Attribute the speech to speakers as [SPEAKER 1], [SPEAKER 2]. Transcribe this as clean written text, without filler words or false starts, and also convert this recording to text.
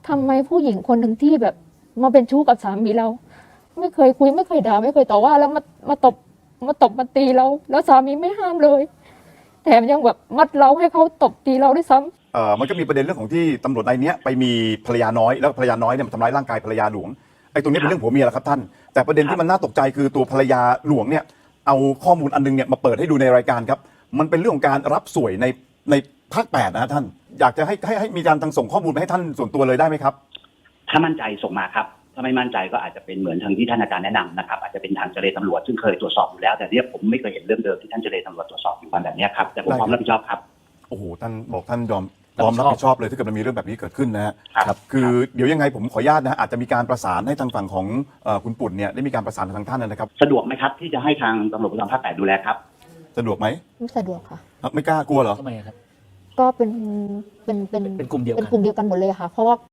[SPEAKER 1] ทำไมผู้หญิงคนหนึ่งที่แบบมาเป็นชู้กับสามีเราไม่เคยคุยไม่เคยด่าไม่เคยต่อว่าแล้วมาตบมาตีเราแล้วสามีไม่ห้ามเลยแถมยังแบบมัดเราให้เขาตบตีเราด้วยซ้ำ
[SPEAKER 2] มันก็มีประเด็นเรื่องของที่ตำรวจนายนี้ไปมีภรรยาน้อยแล้วภรรยาน้อยเนี่ยมันทำร้ายร่างกายภรรยาหลวงไอ้ตรงนี้เป็นเรื่องผัวเมียแหละครับท่านแต่ประเด็นที่มันน่าตกใจคือตัวภรรยาหลวงเนี่ยเอาข้อมูลอันนึงเนี่ยมาเปิดให้ดูในรายการครับมันเป็นเรื่องของการรับสวยในภาค8นะท่านอยากจะให้มีการทางส่งข้อมูลไปให้ท่านส่วนตัวเลยได้ไหมครับ
[SPEAKER 3] ถ้ามั่นใจส่งมาครับถ้าไม่มั่นใจก็อาจจะเป็นเหมือนทางที่ท่านอาจารย์แนะนำนะครับอาจจะเป็นทางเจรตำรวจซึ่งเคยตรวจสอบอยู่แล้วแต่เนี่ยผมไม่เคยเห็นเรื่องเดิมที่ท่านเจรตำรวจตรวจสอบอยู่แบบนี้ครับแต่ผมพร้อมรับผิดชอบครับ
[SPEAKER 2] โอ้โหท่านบอกท่านยอมพร้อมรับผิดชอบเลยถ้าเกิดมันมีเรื่องแบบนี้เกิดขึ้นนะฮะ
[SPEAKER 3] ครับ
[SPEAKER 2] คือเดี๋ยวยังไงผมขออนุญาตนะอาจจะมีการประสานให้ทางฝั่งของคุณปุ่นเนี่ยได้มีการประสานทางท่านนะครับ
[SPEAKER 3] สะดวกไหมครับที่จะให้ทางตำรวจภูธรภาค 8ดูแลครับ
[SPEAKER 2] สะดวกไหม
[SPEAKER 1] ไม่สะดวกค่ะ
[SPEAKER 2] ไม่กล้ากลัวเหรอ
[SPEAKER 4] ทำไมครับ
[SPEAKER 1] ก็เป็น
[SPEAKER 4] เป็นกลุ่มเดียวกัน
[SPEAKER 1] กันหมดเลยค่ะเพราะว่า